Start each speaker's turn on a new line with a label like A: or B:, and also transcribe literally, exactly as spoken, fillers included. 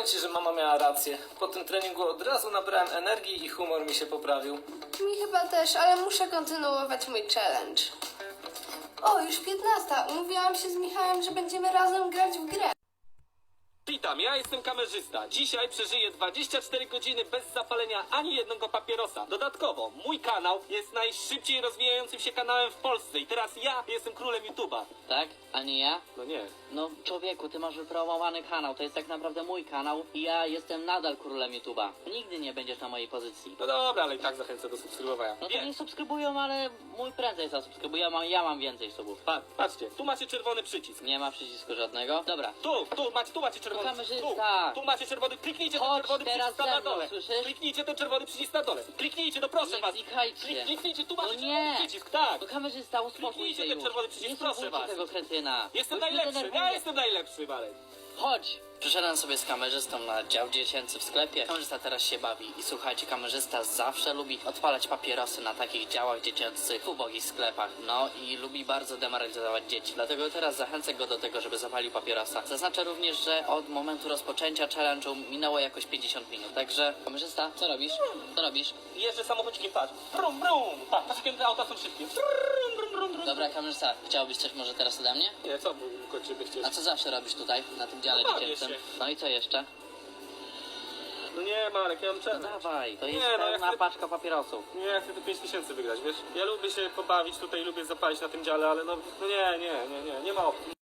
A: Powiem ci, że mama miała rację. Po tym treningu od razu nabrałem energii i humor mi się poprawił.
B: Mi chyba też, ale muszę kontynuować mój challenge. O, już piętnasta. Umówiłam się z Michałem, że będziemy razem grać w grę.
C: Witam, ja jestem kamerzysta. Dzisiaj przeżyję dwadzieścia cztery godziny bez zapalenia ani jednego papierosa. Dodatkowo, mój kanał jest najszybciej rozwijającym się kanałem w Polsce i teraz ja jestem królem YouTube'a.
D: Tak? A nie ja?
C: No nie.
D: No człowieku, ty masz wypromowany kanał, to jest tak naprawdę mój kanał i ja jestem nadal królem YouTube'a. Nigdy nie będziesz na mojej pozycji.
C: No dobra, ale i tak zachęcę do subskrybowania.
D: No to
C: Nie.
D: nie subskrybują, ale mój prędzej zasubskrybuje, ja mam, ja mam więcej subów.
C: Pa, patrzcie, tu macie czerwony przycisk.
D: Nie ma przycisku żadnego. Dobra.
C: Tu, tu macie, tu macie czerwony
D: To
C: przycisk. Tu,
D: kamerzysta.
C: tu macie czerwony, kliknijcie ten
D: Chodź
C: czerwony
D: teraz
C: przycisk tam
D: ze
C: na
D: mną,
C: dole.
D: słyszysz?
C: Kliknijcie ten czerwony przycisk na dole. Kliknijcie, no proszę
D: Nie
C: was.
D: klikajcie.
C: Klik, kliknijcie, tu
D: No
C: macie
D: nie.
C: czerwony przycisk, tak.
D: To kamerzysta, uspokój
C: Kliknijcie
D: się
C: ten
D: już.
C: czerwony przycisk,
D: Nie
C: proszę
D: słuchajcie
C: was.
D: tego kretyna.
C: Jestem
D: Już mnie
C: najlepszy, ja
D: denerwuje.
C: jestem najlepszy, Marek.
D: Chodź! Przyszedłem sobie z kamerzystą na dział dziecięcy w sklepie. Kamerzysta teraz się bawi i słuchajcie, kamerzysta zawsze lubi odpalać papierosy na takich działach dziecięcych w ubogich sklepach. No i lubi bardzo demoralizować dzieci. Dlatego teraz zachęcę go do tego, żeby zapalił papierosa. Zaznaczę również, że od momentu rozpoczęcia challenge'u minęło jakoś pięćdziesiąt minut. Także kamerzysta, co robisz? Co robisz?
C: Jeżdżę samochodzikiem, patrz. Brum, brum. Patrz, patrz jakie te auta są szybkie. Brum, brum, brum, brum.
D: Dobra, kamerzysta, chciałbyś coś może teraz ode mnie?
C: Nie, co kończymy chcieć?
D: A co zawsze robisz tutaj, na tym dziale
C: No bawię
D: dziecięcym?
C: się.
D: No i co jeszcze?
C: No nie, Marek, ja mam
D: No
C: challenge.
D: dawaj, to
C: Nie,
D: jest
C: no ja
D: pełna
C: chcę-
D: paczka papierosów.
C: Nie, ja chcę tu pięć tysięcy wygrać, wiesz? Ja lubię się pobawić tutaj, lubię zapalić na tym dziale, ale no, no nie, nie, nie, nie, nie ma opcji.